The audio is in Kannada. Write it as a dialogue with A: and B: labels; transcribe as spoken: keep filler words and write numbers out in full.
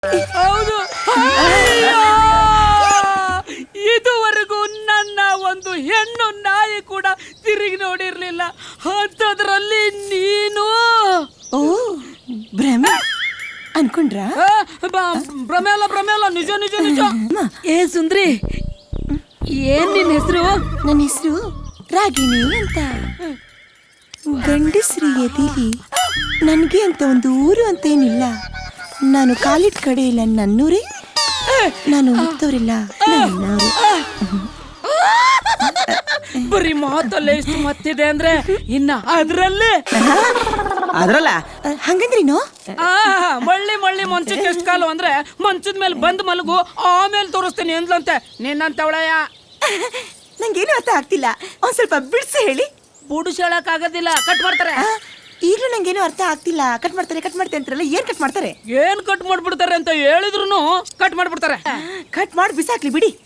A: ಹೌದು. ಇದುವರೆಗೂ ನನ್ನ ಒಂದು ಹೆಣ್ಣು ನಾಯಿ ಕೂಡ ತಿರುಗಿ ನೋಡಿರ್ಲಿಲ್ಲ, ಅಂಥದ್ರಲ್ಲಿ ನೀನು.
B: ಓ ಭ್ರಮೆ ಅನ್ಕೊಂಡ್ರಾ?
A: ಭ್ರಮೆ ಅಲ್ಲ ಭ್ರಮೆ ಅಲ್ಲ, ನಿಜ ನಿಜ ನಿಜ. ಏ ಸುಂದ್ರಿ, ಏನ್ ನಿನ್ ಹೆಸರು?
B: ನನ್ನ ಹೆಸರು ರಾಗಿಣಿ ಅಂತ. ಗಂಡಸ್ರಿ ಎದಿಲಿ ನನ್ಗೆ ಅಂತ ಒಂದು ಊರು ಅಂತ ಏನಿಲ್ಲ. ನಾನು ಕಾಲಿಟ್ ಕಡೆ ಇಲ್ಲ ನನ್ನೂರೇ, ನಾನು ಮುಗ್ದವ್ರಿಲ್ಲ ನನ್ನೂರು.
A: ಬರೀ ಮಾತಲ್ಲೇ ಇಷ್ಟು ಮತ್ತಿದೆ ಅಂದ್ರೆ ಇನ್ನ ಅದ್ರಲ್ಲಿ
B: ಅದ್ರಲ್ಲ ಹಂಗಂದ್ರಿನೋ?
A: ಆ ಮಳ್ಳಿ ಮಳ್ಳಿ ಮಂಚಕ್ಕೆ ಎಷ್ಟು ಕಾಲು ಅಂದ್ರೆ ಮಂಚದ ಮೇಲೆ ಬಂದ್ ಮಲಗು, ಆಮೇಲೆ ತೋರಿಸ್ತೀನಿ ಎಂದ್ಲಂತೆ ನಿನ್ನಂತವಳಯ್ಯ.
B: ನಂಗೇನು ಅರ್ಥ ಆಗ್ತಿಲ್ಲ, ಒಂದ್ ಸ್ವಲ್ಪ ಬಿಡ್ಸಿ ಹೇಳಿ.
A: ಬುಡಿಸ್ ಹೇಳಕ್ ಆಗೋದಿಲ್ಲ, ಕಟ್ ಮಾಡ್ತಾರೆ.
B: ಈಗಲೂ ನಂಗೇನು ಅರ್ಥ ಆಗ್ತಿಲ್ಲ. ಕಟ್ ಮಾಡ್ತಾರೆ ಕಟ್ ಮಾಡ್ತಾರೆ ಅಂತಾರಲ್ಲ, ಏನ್ ಕಟ್ ಮಾಡ್ತಾರೆ?
A: ಏನ್ ಕಟ್ ಮಾಡ್ಬಿಡ್ತಾರೆ ಅಂತ ಹೇಳಿದ್ರು ಕಟ್ ಮಾಡ್ಬಿಡ್ತಾರೆ.
B: ಕಟ್ ಮಾಡಿ ಬಿಸಾಕ್ಲಿ ಬಿಡಿ.